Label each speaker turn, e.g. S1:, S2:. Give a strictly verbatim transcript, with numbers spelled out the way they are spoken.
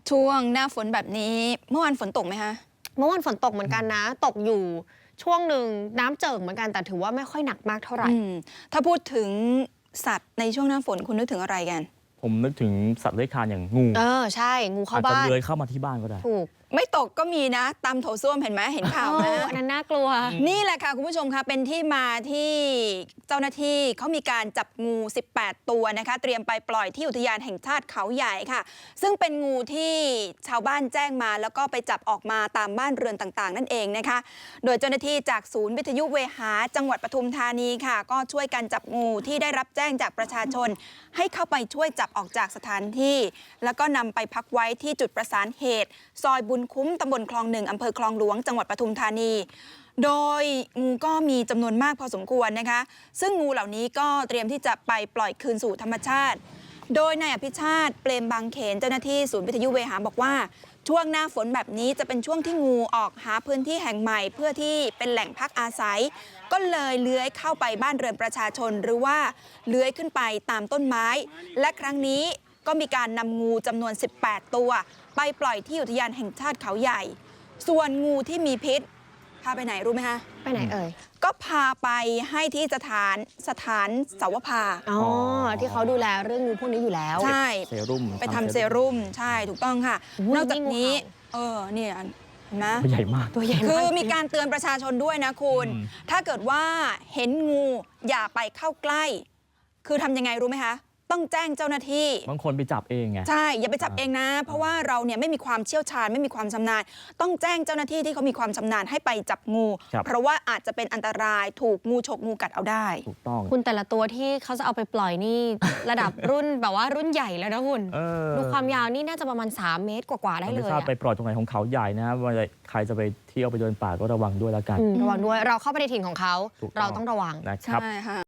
S1: ช่วงหน้าฝนแบบนี้เมื่อวานฝนตกไหมคะ
S2: เมื่อวานฝนตกเหมือนกันนะตกอยู่ช่วงหนึ่งน้ำเจิ่งเหมือนกันแต่ถือว่าไม่ค่อยหนักมากเท่าไหร่
S1: ถ้าพูดถึงสัตว์ในช่วงหน้าฝนคุณนึกถึงอะไรกัน
S3: ผมนึกถึงสัตว์เลื้อยคลานอย่างงู
S2: เออใช่งูเข้าบ้าน
S3: อาจจะเลื้อยเข้ามาที่บ้านก็ได้
S2: ถูก
S1: ไม่ตกก็มีนะตามโถส้วมเห็นไหมเห็นข่าวไหม
S2: อันนั้นน่ากลัว
S1: นี่แหละค่ะคุณผู้ชมคะเป็นที่มาที่เจ้าหน้าที่เขามีการจับงูสิบแปดตัวนะคะเตรียมไปปล่อยที่อุทยานแห่งชาติเขาใหญ่ค่ะซึ่งเป็นงูที่ชาวบ้านแจ้งมาแล้วก็ไปจับออกมาตามบ้านเรือนต่างๆนั่นเองนะคะโดยเจ้าหน้าที่จากศูนย์วิทยุเวหาจังหวัดปทุมธานีค่ะก็ช่วยกันจับงูที่ได้รับแจ้งจากประชาชนให้เข้าไปช่วยจับออกจากสถานที่แล้วก็นำไปพักไว้ที่จุดประสานเหตุซอยบุญคุ้มตำบลคลองหนึ่งอำเภอคลองหลวงจังหวัดปทุมธานีโดยงูก็มีจำนวนมากพอสมควรนะคะซึ่งงูเหล่านี้ก็เตรียมที่จะไปปล่อยคืนสู่ธรรมชาติโดยนายอภิชาติเปรมบางเขนเจ้าหน้าที่ศูนย์วิทยุเวหาบอกว่าช่วงหน้าฝนแบบนี้จะเป็นช่วงที่งูออกหาพื้นที่แห่งใหม่เพื่อที่เป็นแหล่งพักอาศัยก็เลยเลื้อยเข้าไปบ้านเรือนประชาชนหรือว่าเลื้อยขึ้นไปตามต้นไม้และครั้งนี้ก็มีการนำงูจำนวนสิบแปดตัวไปปล่อยที่อุทยานแห่งชาติเขาใหญ่ส่วนงูที่มีพิษพาไปไหนรู้ไหมคะ
S2: ไปไหนเอ่ย
S1: ก็พาไปให้ที่สถานสถานเสาวภา
S2: อ๋อที่เขาดูแลเรื่องงูพวกนี้อยู่แล้ว
S1: ใช่
S3: เซรุ่ม
S1: ไปทำเซรุ่มใช่ถูกต้องค่ะนอกจากนี้เออเนี่ยนะ
S3: ตัวใหญ่มาก
S2: ตัวใหญ่
S1: คือมีการเตือนประชาชนด้วยนะคุณถ้าเกิดว่าเห็นงูอย่าไปเข้าใกล้คือทำยังไงรู้ไหมคะต้องแจ้งเจ้าหน้าที่
S3: บางคนไปจับเองไง
S1: ใช่อย่าไปจับเองนะเพราะว่าเราเนี่ยไม่มีความเชี่ยวชาญไม่มีความชำนาญต้องแจ้งเจ้าหน้าที่ที่เขามีความชำนาญให้ไปจับงูเพราะว่าอาจจะเป็นอันตรายถูกงูฉกงูกัดเอาได้
S3: ถูกต้อง
S2: คุณแต่ละตัวที่เขาจะเอาไปปล่อยนี่ระดับรุ่นแบบว่ารุ่นใหญ่แล้วนะคุณดูความยาวนี่น่าจะประมาณสามเมตรกว่าๆได้เลย
S3: ไม่ทราบไปปล่อยตรงไหนของเขาใหญ่นะว่าใครจะไปเที่ยวไปเดินป่าก็ระวังด้วยแล้วกัน
S2: ระวังด้วยเราเข้าไปในถิ่นของเขาเราต้องระวัง
S3: นะครับ